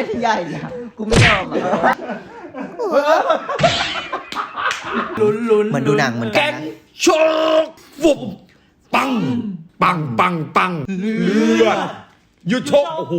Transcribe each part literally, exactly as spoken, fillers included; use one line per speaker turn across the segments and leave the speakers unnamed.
ล่นใหญ่เนี่ยกูไม่ยอมอ่ะ
ลุ้นลุ้น
เหมือนดูหนังเหมือนกันนะ
โชกฟุบปังปังปังปังเลือดยุดโชกโอ้โห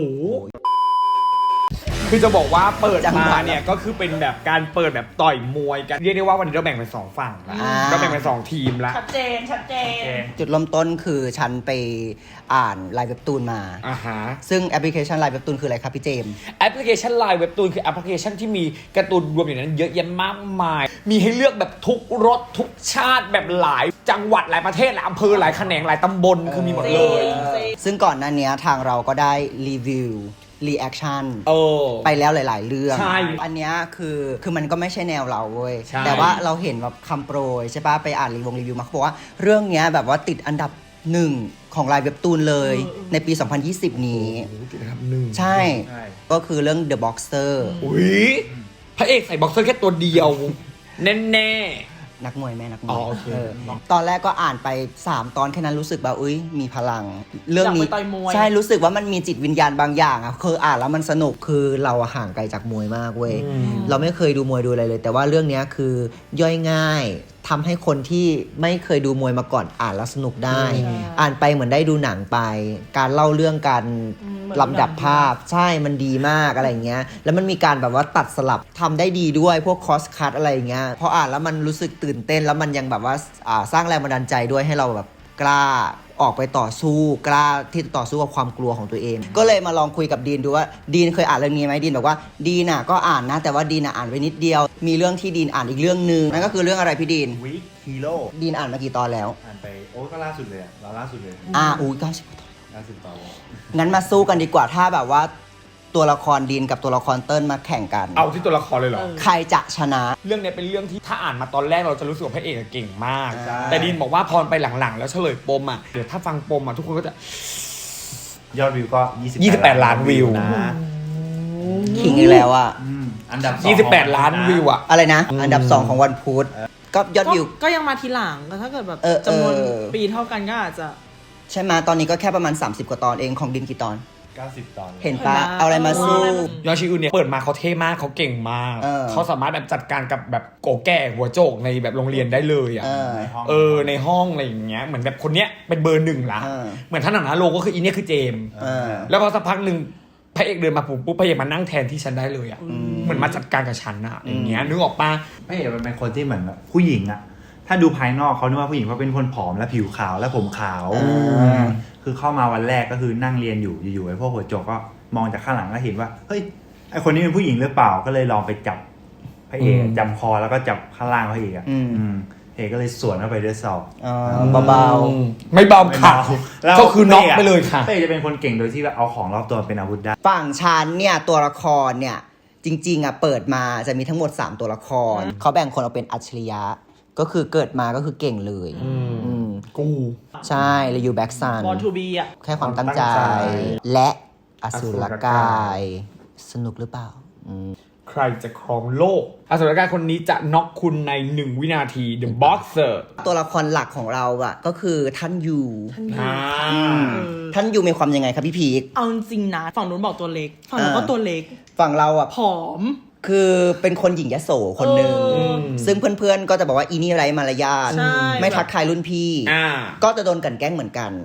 คือจะบอกว่าเปิดมาเนี่ยก็คือเป็นแบบการเปิดแบบต่อยมวยกันเรียกได้ว่าวันนี้เราแบ่งเป็นสองฝั่งละก็แบ่งเป็นสองทีมละ
ชัดเจนชัดเจน
จุดเริ่มต้นคือฉันไปอ่านไลน์เว็บตูนมา
อ่าฮะ
ซึ่งแอปพลิเคชันไลน์เว็บตูนคืออะไรครับพี่เจมส์
แอปพลิเคชันไลน์เว็บตูนคือแอปพลิเคชันที่มีการ์ตูนรวมอยู่ในนั้นเยอะแยะมากมายมีให้เลือกแบบทุกรสทุกชาติแบบหลายจังหวัดหลายประเทศหลายอำเภอหลายแขนงหลายตำบลคือมีหมดเลย
ซึ่งก่อนหน้านี้ทางเราก็ได้รีวิวรีแอคชั่นไปแล้วหลายๆเรื่องอันนี้คือคือมันก็ไม่ใช่แนวเราเว้ยแต่ว่าเราเห็นแบบคำโปรยใช่ปะไปอ่านรีวงรีวิวมาเขาบอกว่าเรื่องนี้แบบว่าติดอันดับหนึ่งของไลน์เว็บตูนเลยในปีสองพันยี่สิบนี้
ติดอันดับหนึ่ง
ใช่ก็คือเรื่อง The Boxer
อุ้ยพระเอกใส่บ็อกเซอร์แค่ตัวเดียวแน่
นักมวยแม่นักมวย
อ๋อโอเค
ตอนแรกก็อ่านไปสามตอนแค่นั้นรู้สึกแบบอุ้ยมีพลังเรื่องนี้
ใ
ช่รู้สึกว่ามันมีจิตวิญญาณบางอย่างอ่ะคืออ่านแล้วมันสนุกคือเราห่างไกลจากมวยมากเว้ยเราไม่เคยดูมวยดูอะไรเลยแต่ว่าเรื่องนี้คือย่อยง่ายทำให้คนที่ไม่เคยดูมวยมาก่อนอ่านแล้วสนุกได้อ่านไปเหมือนได้ดูหนังไปการเล่าเรื่องการลำดับภาพใช่มันดีมากอะไรเงี้ยแล้วมันมีการแบบว่าตัดสลับทำได้ดีด้วยพวกคอสคัทอะไรเงี้ยพออ่านแล้วมันรู้สึกตื่นเต้นแล้วมันยังแบบว่าสร้างแรงบันดาลใจด้วยให้เราแบบกล้าออกไปต่อสู้กล้าที่จะต่อสู้กับความกลัวของตัวเองก็เลยมาลองคุยกับดีนดูว่าดีนเคยอ่านเรื่องนี้ไหมดีนบอกว่าดีนน่ะก็อ่านนะแต่ว่าดีนน่ะอ่านไปนิดเดียวมีเรื่องที่ดีนอ่านอีกเรื่องนึงนั่นก็คือเรื่องอะไรพี่ดีน
วิกฮีโร่
ดีนอ่านมากี่ตอนแล้ว
อ่านไปโอ้ก็ล่าสุดเลยอะเราล่าสุดเลย
อ่าอุ้ยเก้าสิบตอน
ล่าสุดตอน
งั้นมาสู้กันดีกว่าถ้าแบบว่าตัวละครดีนกับตัวละครเติ้ลมาแข่งกัน
เอาที่ตัวละครเลยเหรอ
ใครจะชนะ
เรื่องนี้เป็นเรื่องที่ถ้าอ่านมาตอนแรกเราจะรู้สึกว่าพระเอกเก่งมากแต่ดีนบอกว่าพอไปหลังๆแล้วเฉลยปมอ่ะเดี๋ยวถ้าฟังปมอ่ะทุกคนก็จะ
ยอดวิวก็
ยี่สิบแปดล้านวิวนะ
ขิงอีกแล้วอ่ะ
อันดับ
ยี่สิบแปดล้านวิวอ่ะ
อะไรนะอันดับสองของวันพุธก็ยอดวิว
ก็ยังมาทีหลังก็ถ้าเกิดแบบจำนวนปีเท่ากันก็อาจจะ
ใช่ไหมตอนนี้ก็แค่ประมาณสามสิบกว่าตอนเองของดินกี่ตอน
เก้าสิบตอน
เห็นปะเอาอะไรมาสู้
ยอชิอุนเนี่ยเปิดมาเขาเท่มากเขาเก่งมากเขาสามารถแบบจัดการกับแบบโกแก่หัวโจกในแบบโรงเรียนได้เลยอ่ะเออในห้องอะไรอย่างเงี้ยเหมือนแบบคนเนี้ยเป็นเบอร์หนึ่งละเหมือนท่านหนังนะโลก็คืออีเนี่ยคือเจมแล้วพอสักพักหนึ่งพระเอกเดินมาปุ๊บปุ๊บพระเอกมานั่งแทนที่ฉันได้เลยอ่ะเหมือนมาจัดการกับฉันอ่ะอย่างเงี้ยนึกออกปะ
พระเอกมันเป็นคนที่เหมือนแบบผู้หญิงอ่ะถ้าดูภายนอกเขาคิดว่าผู้หญิงเขาเป็นคนผอมและผิวขาวและผมขาวคือเข้ามาวันแรกก็คือนั่งเรียนอยู่อยู่ๆไอ้พวกหัวโจกก็มองจากข้างหลังก็เห็นว่าเฮ้ยไอ้คนนี้เป็นผู้หญิงหรือเปล่าก็เลยลองไปจับพระเอกจับคอแล้วก็จับข้างล่างพระเอกอ่ะพระเอกก็เลยสวนเข้าไปด้วยศอก
เบา
ๆไม่เบาค่ะก็คือน็อกไปเลยค่ะ
พระเอกจะเป็นคนเก่งโดยที่เอาของรอบตัวเป็นอาวุธได้
ฝั่งฉันเนี่ยตัวละครเนี่ยจริงๆอ่ะเปิดมาจะมีทั้งหมดสามตัวละครเขาแบ่งคนออกเป็นอัจฉริยะก็คือเกิดมาก็คือเก่งเลย
กู
ใช่เลยอยู่แบ็กซัน
บอลทูบีอ่ะ
แค่ความตั้งใจและอสุรกายสนุกหรือเปล่า
ใครจะครองโลกอสุรกายคนนี้จะน็อกคุณในหนึ่งวินาที The Boxer
ตัวละครหลักของเราอ่ะก็คือท่านยูท่านยูมีความยังไงครับพี่พีค
เอาจริงนะฝั่งนู้นบอกตัวเล็กฝั่งนู้นก็ตัวเล็ก
ฝั่งเราอ่ะ
ผอม
คือเป็นคนหญิงยโสคนหนึ่งซึ่งเพื่อนๆก็จะบอกว่าอีนี่ไร้มารยาทไม่ทักทายรุ่นพี่ก็จะโดนกันแกล้งเหมือนกัน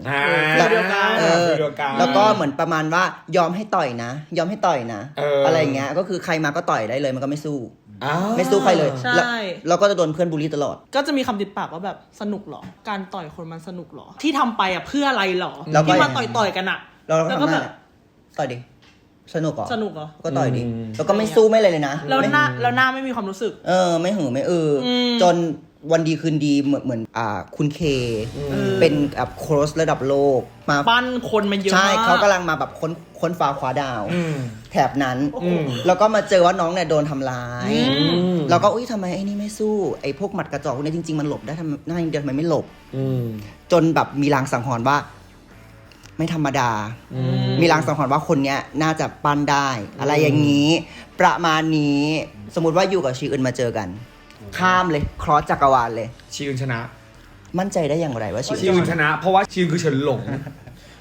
แล้วก็เหมือนประมาณว่ายอมให้ต่อยนะยอมให้ต่อยนะอะไรเงี้ยก็คือใครมาก็ต่อยได้เลยมันก็ไม่สู้ไม่สู้ใครเลยแล้วก็จะโดนเพื่อนบูลลี่ตลอด
ก็จะมีคำติดปากว่าแบบสนุกหรอการต่อยคนมันสนุกหรอที่ทำไปอ่ะเพื่ออะไรหรอที่มาต่อยๆกันอ่ะ
แล้วก็แบบต่อยดิสนุกเหรอ
สนุกเหรอ
ก็ต่อยดิแล้วก็ไม่สู้ไม่อะไรเลยนะ
แล้วหน้าแล้วหน้าไม่มีความรู้สึก
เออไม่หือไม่เออจนวันดีคืนดีเหมือนเหมือนอ่าคุณเคเป็นแบบโค้ชระดับโลก
มาปั้นคนมาเยอะ
ใช่เขากำลังมาแบบค้นค้นฟ้าคว้าดาวแถบนั้นแล้วก็มาเจอว่าน้องเนี่ยโดนทำร้ายแล้วก็อุ้ยทำไมไอ้นี่ไม่สู้ไอ้พวกหมัดกระจอกพวกนี้จริงๆมันหลบได้ทำหน้าเดียวทำไมไม่หลบจนแบบมีลางสังหรณ์ว่าไม่ธรรมดามีลางสังหรณ์ว่าคนเนี้ยน่าจะปั้นได้อะไรอย่างนี้ประมาณนี้สมมุติว่าอยู่กับชีอื่นมาเจอกันข้ามเลยครอสจักรวาลเลย
ชีอื่นชนะ
มั่นใจได้อย่างไรว่าชี
อื่นชนะเพราะว่าชีอื่นคือเฉินหลง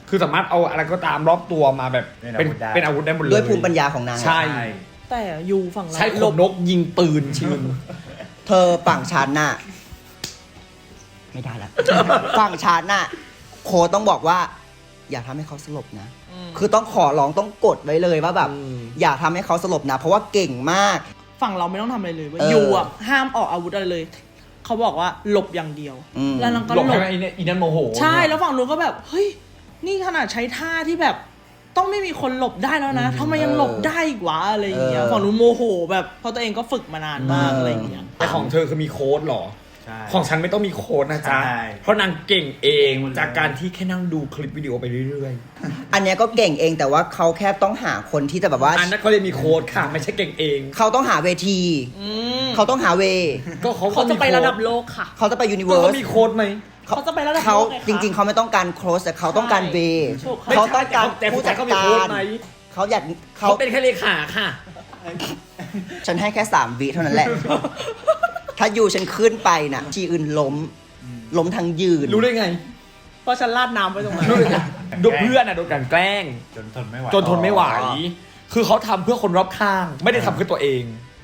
คือสามารถเอาอะไรก็ตามรอบตัวมาแบบเป็นเป็นอาวุธได้หมดเลย
ด้วยภูมิปัญญาของนาง
ใช่
แต่ยูฝั่งเรา
ใช้ขนนกยิงปืนชิง
เธอฝั่งฉันน่ะไม่ได้ละ ฝั่งฉันน่ะโค้ชต้องบอกว่า อย่าทำให้เขาสลบนะ คือต้องขอร้องต้องกดไว้เลยว่าแบบ อย่าทำให้เขาสลบนะ เพราะว่าเก่งมาก
ฝั่งเราไม่ต้องทำอะไรเลยเว้ย
เออ
ยูอ่ะห้ามออกอาวุธอะไรเลย เขาบอกว่าหลบอย่างเดียว
อืม
แล้วนางก็
หลบ
หล
ให้
บ
ไอ้เนี่ยอีนั่นโมโห
ใช่แล้วฝั่งนู้นก็แบบเฮ้ยนี่ขนาดใช้ท่าที่แบบ ต้องไม่มีคนหลบได้แล้วนะทำไมยังหลบได้อีกวะอะไรอย่างเงี้ย
เออ
ฝั่งนู้นโมโหแบบเพราะตัวเองก็ฝึกมานานมากอะไรอย่างเงี้ย
แต่ของเธอคือมีโค้ดเหรอ
ใช่
ของฉันไม่ต้องมีโค้ดนะจ๊ะ
ใช่
เพราะนางเก่งเอง
เก่งหมดเลย
จากการที่แค่นั่งดูคลิปวิดีโอไปเรื่อย
อันเนี้ยก็เก่งเองแต่ว่าเขาแค่ต้องหาคนที่จะแบบว่า
ๆ อันนั้นเขาเรียกมีโค้ดค่ะ ไม่ใช่เก่งเอง
เขาต้องหาเวที
อืม
เขาต้องหาเว
ก็เขา
เขาจะไประดับโลกค่ะ
เขาจะไปยูนิเวิ
ก็
ร์
เขา
ส
มีโค้ดไหม
เขาจะไประดับ
เขา
โลกไงคะ
จริง ๆ เขาไม่ต้องการโค้ชแต่เขาต้องการเว
ถูกค่ะ
เขาต้องการ
แต่ผู้
ผู้
จั
จั
ด
ด
เขามี
กา
โค้ด
ร
ไหม
เขาอยากเขา
เขาเป็นแค่เลขาค่ะ
ฉันให้แค่สามวิเท่านั้นแหละ ถ้าอยู่ฉันขึ้นไปน่ะทีอื่นล้ม ล้มทั้งยืน
รู้ได้ไง
เพราะฉันลาดน้ำไปตรงนั้น
รู้ได้ไงโดนเพื่อนอ่ะโดนกลันแกล้ง
จนทนไม่ไหว
จนทนไม่ไหว
อ๋อ
คือเขาทำเพื่อคนรอบข้าง ไม่ได้ทำเพื่อตัวเอง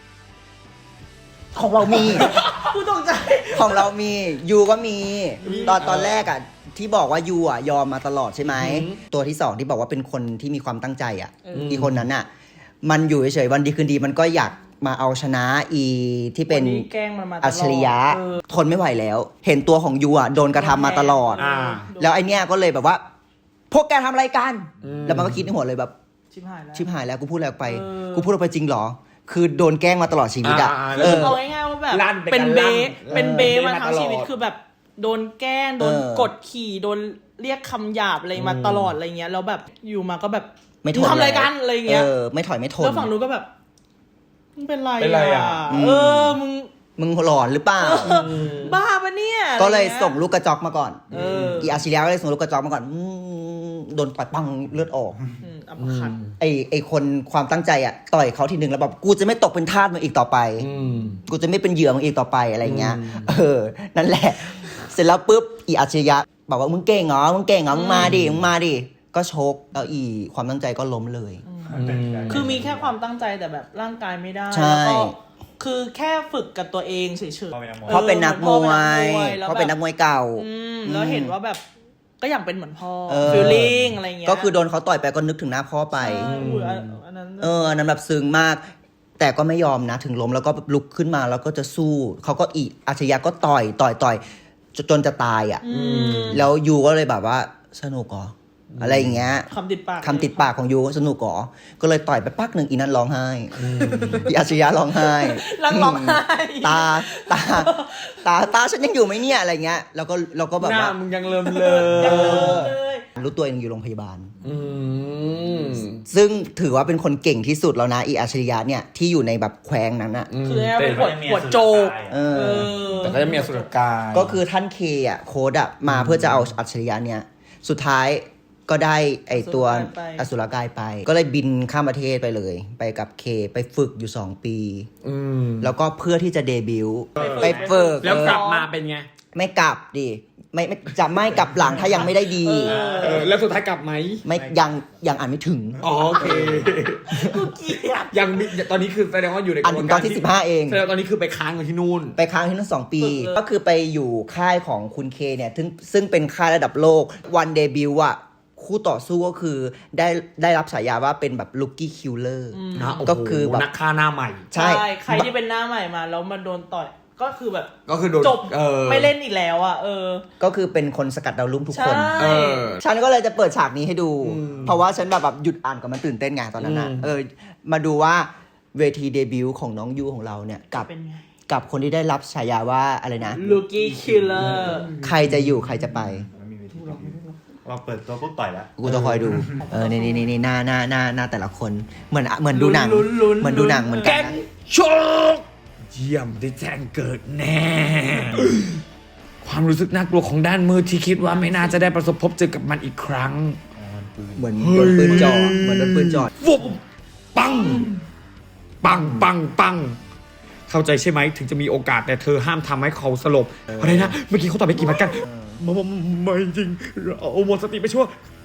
ของเรามี
กูตกใจ
ของเรามียูก็มี
มี
ตอนตอนแรกอ่ะ ที่บอกว่ายูอ่ะยอมมาตลอดใช่ไหม
อือหือ
ตัวที่สองที่บอกว่าเป็นคนที่มีความตั้งใจอ่ะ
เอออี
อีคนนั้นอ่ะ มันอยู่เฉยๆวันดีคืนดีมันก็อยากมาเอาชนะอีที่เป็น
วันนี้แกล้งมันมาตลอด
อัจฉริยะ
เออ
ทนไม่ไหวแล้ว เห็นตัวของยูอ่ะโดนกระทำมาตลอด
อ่า
แล้วไอเนี้ยก็เลยแบบว่า พวกแกทำอะไรกัน
อืม
แล้วมันก็คิดในหัวเลยแบบ
ชิบหายแล้ว
ชิบหายแล้วกูพูดอะไรออกไป
เออ
กูพูดออกไปจริงเหรอ คือโดนแกล้งมาตลอดชีวิตอ่ะ
อ่าๆ
เออ
เอาง่ายๆว่าแบบ
ลั่นเป็น
เป็น
การ
เบ
ลั่น
เป็นเบ
เออ
มาทั้ง
เบมาตลอด
ชีวิตคือแบบโดนแกล้งโดน
เออก
ดขี่โดนเรียกคำหยาบอะไรมาตลอดอะไรเงี้ยแล้วแบบอยู่มาก็แบบ
ไม่ทน
งทำอะไร
แล้ว
กันอะไรเงี้ย
เออ ไม่ถอยไม่ทน
แล้วฝั่งนู้นก็แบบมึงเป็นไร
เป็นไรอ่ะ
อืม
เออมึง
มึงหลอนหรือเปล่า
บ้าปะเนี่ย
ก็เลย
อะไรงี้
ส่งลูกกระจอกมาก่อน
เออ
อีอาชิเลียก็เลยส่งลูกกระจอกมาก่อนอืมโดนต่อยปังเลือดออก
อืมอัปคัด
ไอไอคนความตั้งใจอ่ะต่อยเขาทีหนึ่งแล้วแบบกูจะไม่ตกเป็นทาสมึงอีกต่อไป
อืม
กูจะไม่เป็นเหยื่อมึงอีกต่อไปอะไรเงี้ย
อืม
เออ นั่นแหละ เสร็จแล้วปุ๊บ อีอาชริยะบอกว่ามึงเก่งเหรอ มึงเก่งเหรอ มึงมาดิ มึงมาดิ ก็ชกแล้วอีความตั้งใจก็ล้มเลย
คือมีแค่ความตั้งใจแต่แบบร่างกายไม่ได้
ใช่
แล้วก็คือแค่ฝึกกับตัวเองเฉยๆ
เพราะเป็นนักมวย
เพราะเป็นนักมวย
แล้ว
เพราะเป็นนักมวยเก่า
อืมแล้วเห็นว่าแบบก็อยากเป็นเหมือนพ่อ
เออ
ฟีลลิ่งอะไรเงี้ย
ก็คือโดนเขาต่อยไปก็นึกถึงหน้าพ่อไป
ใช่อุ้ยอันอันนั้น
เอออันนั้นแบบซึ้งมาก แต่ก็ไม่ยอมนะ ถึงล้มแล้วก็ลุกขึ้นมาแล้วก็จะสู้ เขาก็อีอาชริยะก็ต่อยต่อยต่อยจนจนจะตายอ่ะ
อืม
แล้วยูก็เลยแบบว่าสนุกเหรออะไรอย่างเงี้ย
คำติดปาก
คำติดปากของยูสนุกเหรอก็เลยต่อยไปปักหนึ่งอีนั้นร้องไห้อีอาชริยะร้องไห้
รังร้องไห้
ตาตาตาตาฉันยังอยู่ไหมเนี่ยอะไรเงี้ยแล้วก็เราก็แบบ
หน้า
ว่า
มึงยังเริ่มเล
เอย อ
รู้ตัวเองอยู่โรงพยาบาล
อืม
ซึ่งถือว่าเป็นคนเก่งที่สุดแล้วนะอีอาชริยะเนี่ยที่อยู่ในแบบแควงนั้นอะ
คือแค่เป็นหัว
แต่
หัวโจก
เอ
เอ
อ
อ
แต่ก็จะมีอสุรกาย
ก็คือท่านเคอะโค้ดอะมาเพื่อจะเอาอัจฉริยะเนี่ยสุดท้ายก็ได้ไอตัว
อสุรกายไป
อสุรกายไป ก็เลยบินข้ามประเทศไปเลย ไปกับเคไปฝึกอยู่สองปี
อืม
แล้วก็เพื่อที่จะเดบิวต์
ไป
ไป
ฝึ
ฝึ
ก
ก
แล้วกลับ
เออ
มาเป็นไง
ไม่กลับดิไม่ไม่จะไม่กลับหลังถ้ายังไม่ได้ดี
เออ แล้วสุดท้ายกลับไหม
ไม่ยังยังอ่านไม่ถึง
อ๋อโอเค
กูเกลียด
ยังมีตอนนี้คือแสดงว่าอยู่ในก
อ่าน
ระบว
ถึ
น
งต
กา
อ
ร
นที่สิบห้าเอง
แสดงว่าตอนนี้คือไปค้างอยู่ที่นู่น
ไปค้างที่นั่นสองปี
ฝึกเลย
ก็คือไปอยู่ค่ายของคุณเคเนี่ยซึ่งซึ่งเป็นค่ายระดับโลกวันเดบิวต์อะคู่ต่อสู้ก็คือได้ได้รับฉายาว่าเป็นแบบลูกี้คิลเลอร์
นะโอ้โห
ก็คือแบบ
นักฆ่าหน้าใหม่
ใช่
ใช่ใครที่เป็นหน้าใหม่มาแล้วมาโดนต่อยก็คือแบบ
ก็คือโดน
จบ
เออ
ไม่เล่นอีกแล้วอ่ะเออ
ก็คือเป็นคนสกัดดาวรุ่งทุก
ใช่
คน
เออ
ฉันก็เลยจะเปิดฉากนี้ให้ดู
อืม
เพราะว่าฉันแบบแบบหยุดอ่านก่อนมันตื่นเต้นไงตอนนั้นนะ
อืม
เออมาดูว่าเวทีเดบิวต์ของน้องยูของเราเนี่ยกับ
เป็นไง
กับคนที่ได้รับฉายาว่าอะไรนะ
ลูกี้คิลเลอร์
ใครจะอยู่ใครจะไป
มันมีวิธีการเราเปิดตัวปุ๊บต่อยแล้ว
กูจะคอยดู เออ นี่นี่นี่นี่หน้าหน้าหน้าหน้าแต่ละคน เหมือนเหมือนดูหนัง เหมือนดูหนังเหมือนกั
แก๊
น
ง
นะ
โชคเยี่ยมได้แจ้งเกิดแน่ ความรู้สึกน่ากลัวของด้านมืดที่คิดว่าไม่น่าจะได้ประสบพบเจอกับมันอีกครั้ง
เหมือนโดนปืนจ่อเหมือนโดนปืนจ่อ
ฟุบปัง ปังปังปัง เข้าใจใช่ไหมถึงจะมีโอกาสแต่เธอห้ามทำให้เขาสลบอะไรนะ เมื่อกี้เขาตอบไปกี่มัดกันไม่ไม่จริง เราเอาหมดสติไปชั่ว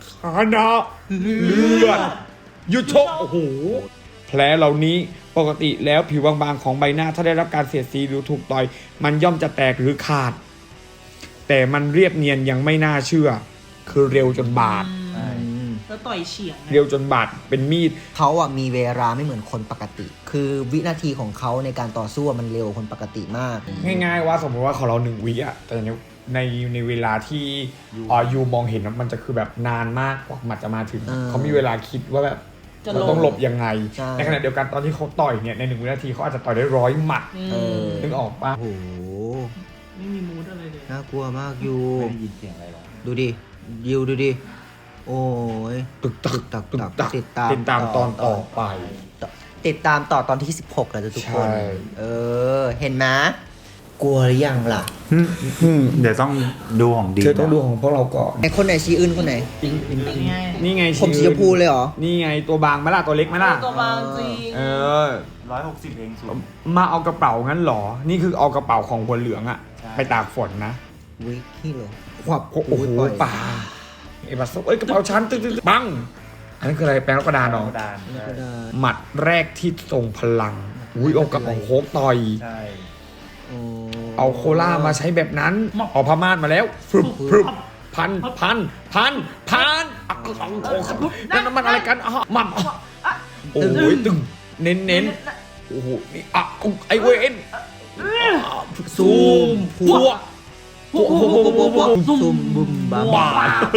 คานะเลือดยุดชกโอ้โหแผลเหล่านี้ปกติแล้วผิวบางๆของใบหน้าถ้าได้รับการเสียดสีหรือถูกต่อยมันย่อมจะแตกหรือขาดแต่มันเรียบเนียนยังไม่น่าเชื่อคือเร็วจนบาด
แล้วต่อยเฉียง
เร็วจนบาดเป็นมีด
เขาอ่ะมีเวลาไม่เหมือนคนปกติ คือวินาทีของเขาในการต่อสู้อะมันเร็วกว่าคนปกติมาก
ง่ายๆว่าสมมติว่าของเราหนึ่งวิอะแต่ในในในเวลาที่อ่ายูมองเห็นมันจะคือแบบนานมากกว่ามันจะมาถึง
เออ
เขามีเวลาคิดว่าแบบ
จะ
เรา
ล
ต้องหลบยังไง
ใช่
ในขณะเดียวกันตอนที่เขาต่อยเนี่ยในหนึ่งวินาทีเขาอาจจะต่อยได้ร้อยหมัด
อื
เอ
ม
อ
นึกออกปะ
โอ้โห
ไม่มีมูดอะไรเลย
น่ากลัวมากยู
ไม่ได้ยินเสียงอะไรหรอก
ดูดิยูดูดิโอ้ย
ตึกตัก
ตึกตัก
ตึกตัก
ติดตาม
ติดตามตอนต่อไป
ติดตามต่อตอนที่สิบหกแล้วจ้ะทุกคน
ใช่
เออ เห็นไหมกลัวหรือยังล่ะ
เดี๋ยวต้องดูของดี
เธอต้องดูของพวกเราก่อน
ไอคนไหนชี้อื่นคนไหน
นี่ไง
นี่ไง
ผมสีชมพูเลยเหรอ
นี่ไงตัวบางไหมล่ะตัวเล็กไหมล่ะ
ตัวบางจริง
เออ
ร้อยหกสิบเองสุด
มาเอากระเป๋างั้นเหรอ นี่คือเอากระเป๋าของหัวเหลืองอะ
ใช่
ไปตากฝนนะ
วิกกี้เลยขวับ
โอ้โห
ปล่อย
ป่าเอบัสเอ้ยกระเป๋าชั้นตึ๊ดๆปังอันนั้นคืออะไรแปลงกระดานเหรอ
ดาน
แล้วก็ได้
หมัดแรกที่ทรงพลังอุ้ยเอากระเป๋าโคกต่อย
ใช่
โอ้
เอาโคล่ามาใช้แบบนั้นเอาพม่านมาแล้วฟึบฟึบพันพันพันพันอ่ะเอาเอาเอานั่นมันอะไรกันอ่ะหมัมโอ้ยตึงเน้นเน้นโอ้โหนี่อ่ะอุ๊ยไอเวนซูมพัว
โอ้โหซุ่มบุมบา
บ้า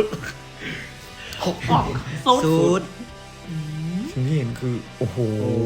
โซ่
สูด
สิ่งที่เห็นคือโอ้โห
โอ้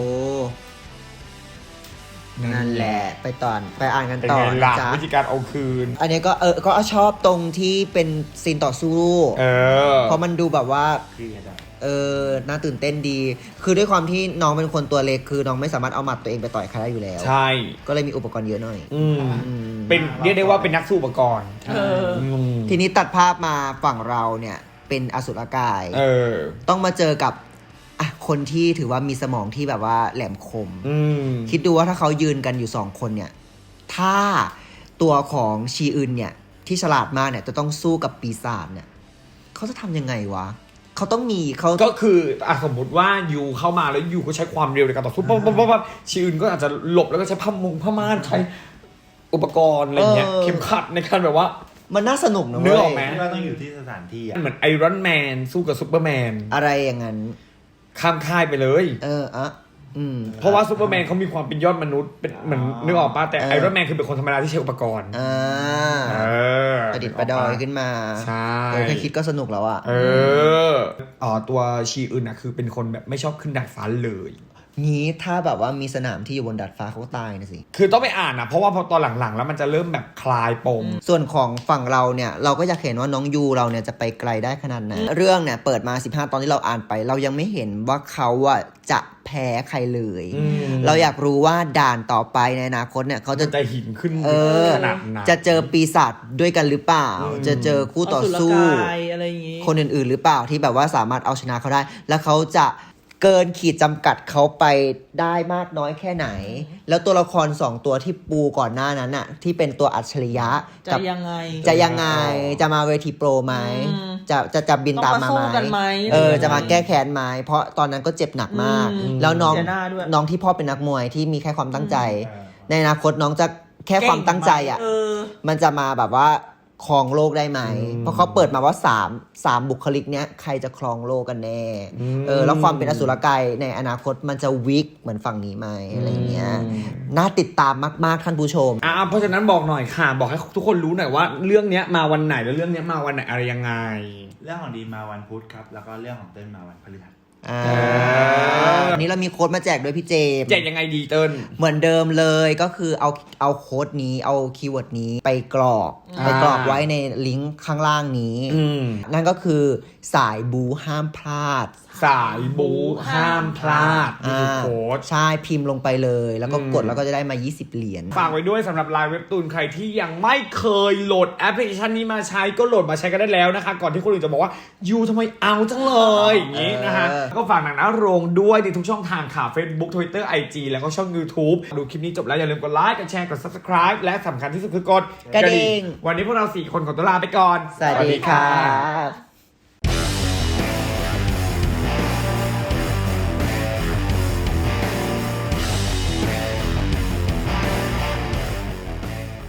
นั่นแหละไปตอนไปอ่านกัน
เป็น
ต่อ
ไง
นะ
ล่ะ
จ๊ะ
วิธีการเอาคืน
อันนี้ก็เออก็ชอบตรงที่เป็นซีนต่อสู้
เออ
เพราะมันดูแบบว่า
เครียดอะ
เออ น่าตื่นเต้นดี คือด้วยความที่น้องเป็นคนตัวเล็ก คือน้องไม่สามารถเอาหมัดตัวเองไปต่อยใครได้อยู่แล้ว
ใช่
ก็เลยมีอุปกรณ์เยอะหน่อย
อืม
อืม
เป็นเรียกได้ว่าเป็นนักสู้อุปกรณ์
เออ
ม
ทีนี้ตัดภาพมาฝั่งเราเนี่ย เป็นอสุรกาย
เออ
ต้องมาเจอกับอ่ะคนที่ถือว่ามีสมองที่แบบว่าแหลมคม
อืม
คิดดูว่าถ้าเขายืนกันอยู่สองคนเนี่ย ถ้าตัวของชีอึนเนี่ย ที่ฉลาดมากเนี่ย จะต้องสู้กับปีศาจเนี่ย เขาจะทำยังไงวะ เขาต้องมีเขา
ก็คืออ่ะสมมติว่ายูเข้ามาแล้วยูก็ใช้ความเร็วในการต่อสู้ปั๊บปั๊บปั๊บปั๊บชีอื่นก็อาจจะหลบแล้วก็ใช้ผ้ามงผ้าม่านใช้อุปกรณ์อะไรเงี้ยเข็มขัดในการแบบว่า
มันน่าสนุกนะ
นึ
เว้
กออกไหม
ย
ที่ว่าต้องอยู่ที่สถานที่อ่ะ
เหมือนไอรอนแมนสู้กับซูเปอร์แมน
อะไรอย่างนั้น
ข้ามค่ายไปเลย
เอออ่ะอืม
เพราะว่าซูเปอร์แมนเขามีความเป็นยอดมนุษย์เป็นเหมือนนึกออกป่ะแต่
เออ
ไอรอนแมนคือเป็นคนธรรมดาที่ใช้อุปกรณ์
อ่า
เออ
ประดิษฐ์ประดอยขึ้นมา
ใช่
เออแค่คิดก็สนุกแล้วอะ
เอออ๋อตัวชีอื่นอ่ะคือเป็นคนแบบไม่ชอบขึ้นดาดฟ้าเลย
งี้ถ้าแบบว่ามีสนามที่อยู่บนดาดฟ้าเขาก็ตายนะสิ
คือต้องไปอ่านนะเพราะว่าพอตอนหลังๆ แล้วมันจะเริ่มแบบคลายปม
ส่วนของฝั่งเราเนี่ยเราก็อยากเห็นว่าน้องยูเราเนี่ยจะไปไกลได้ขนาดไหนเรื่องเนี่ยเปิดมาสิบห้าตอนที่เราอ่านไป เรายังไม่เห็นว่าเขาอะจะแพ้ใครเลย
อืม
เราอยากรู้ว่าด่านต่อไปในอนาคตเนี่ยเขาจะ
จะหินขึ้น
เออ
ขนาดนั้น
จะเจอปีศาจด้วยกันหรือเปล่า จะเจอคู่ต่อสู้
อสุรกายอะไรอย่างงี้
คนอื่นๆหรือเปล่าที่แบบว่าสามารถเอาชนะเขาได้ แล้วเขาจะเกินขีดจำกัดเขาไปได้มากน้อยแค่ไหน แล้วตัวละครสองตัวที่ปูก่อนหน้านั้นอะที่เป็นตัวอัจฉริยะ
จะ
กับ
ยังไง
จะยังไงจะมาเวทีโปรไหม
อืม
จะจะจะบินตามมา
ต้องมาสู้กัน
ไห
ไห
ม
ม
เออ
หรือยังไง
จะมาแก้แค้นไหมเพราะตอนนั้นก็เจ็บหนักมาก
อืม
แล้วน้อง
เสียหน้าด้วย
น้องที่พ่อเป็นนักมวยที่มีแค่ความตั้งใจ ในอนาคตน้องจะแค่ความตั้งใจอะ
เออ
มันจะมาแบบว่าครองโลกได้ไหม เพราะเขาเปิดมาว่าสามสามบุคลิกเนี้ยใครจะครองโลกกันแน่ เออ แล้วความเป็นอสุรกายในอนาคตมันจะวิกเหมือนฝั่งนี้ไหมอะไรเงี้ย น่าติดตามมากๆท่านผู้ชม
อ่าเพราะฉะนั้นบอกหน่อยค่ะ บอกให้ทุกคนรู้หน่อยว่าเรื่องเนี้ยมาวันไหนแล้วเรื่องเนี้ยมาวันไหนอะไรยังไง
เรื่องของดีมาวันพุธครับ แล้วก็เรื่องของเต้นมาวันพฤหัส
อ่า
อ
วันนี้เรามีโค้ดมาแจกด้วยพี่เจมส์
แจกยังไงดีเติ้ล
เหมือนเดิมเลยก็คือเอาเอาโค้ดนี้เอาคีย์เวิร์ดนี้ไปกรอก
อ่า
ไปกรอกไว้ในลิงก์ข้างล่างนี้
อืม
นั่นก็คือสายบูห้ามพลาด
สายบูห้ามพลาดนี่คือโค้ด
ใช่พิมพ์ลงไปเลย แล้วก็
อืม
กดแล้วก็จะได้มา ยี่สิบ เหรียญ
ฝากไว้ด้วยสำหรับไลน์เว็บตูนใครที่ยังไม่เคยโหลดแอปพลิเคชันนี้มาใช้ก็โหลดมาใช้กันได้แล้วนะคะ ก่อนที่คนอื่นจะบอกว่ายูทำไมเอาจังเลยอย่างนี้นะคะ
เออ
ก็ฝากหนังนะโรงด้วยในทุกช่องทางค่ะ Facebook Twitter ไอ จี แล้วก็ช่อง YouTube ดูคลิปนี้จบแล้วอย่าลืมกดไลค์กดแชร์กด Subscribe และสำคัญที่สุดคือกด
กระดิ่ง
วันนี้พวกเราสี่คนขอตัวลาไปก่อน
สวัสดีครับ